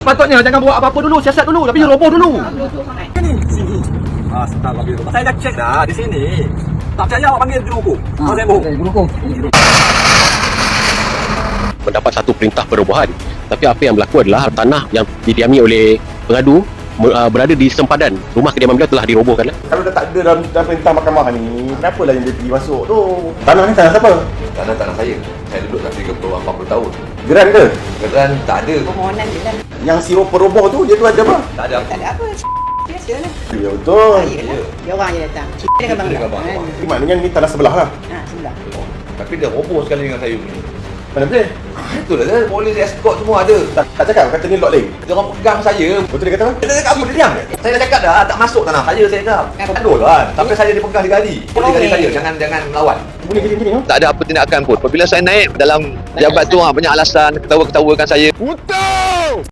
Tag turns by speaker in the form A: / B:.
A: Patutnya jangan buat apa-apa dulu, siasat dulu, tapi roboh dulu.
B: Sini. Sebentar kau biru. Saya dah cek dah di sini. Tak percaya awak panggil juru hukum. Kau saya bohong.
C: Guru hukum.
D: Mendapat satu perintah perobohan, tapi apa yang berlaku adalah tanah yang didiami oleh pengadu berada di sempadan rumah kediaman beliau telah dirobohkan.
E: Kalau dah tak ada dalam perintah mahkamah ni, kenapalah yang dia pergi masuk tu? Tanah ni tanah siapa?
F: Tanah saya. Saya duduk dah 30-40 tahun.
E: Geran ke?
F: Kemudian tak ada.
G: Permohonan je lah.
E: Yang si peroboh tu dia tu ada apa?
F: Tak ada apa.
G: Tak ada apa. Biasa lah.
E: Ya betul.
G: Yelah. Dia orang je datang. Dia kan bangga.
E: Maknanya ni tanah sebelah lah.
G: Sebelah.
F: Tapi dia roboh sekali dengan saya punya.
E: Mana boleh?
F: Itulah dia. Polis escort semua ada.
E: Tak cakap kata ni lot lain.
F: Dia orang pegang saya.
E: Betul dia kata apa?
F: Dia cakap apa? Dia diam. Saya dah cakap dah. Tak masuk tanah saya cakap. Aduh kan. Sampai saya dipegang digali. Polis kali saya. Jangan melawan.
E: Bunyi gini-gini tu.
H: Tak ada apa tindakan pun. Apabila saya naik dalam jabat tu banyak alasan ketawa-ketawakan saya.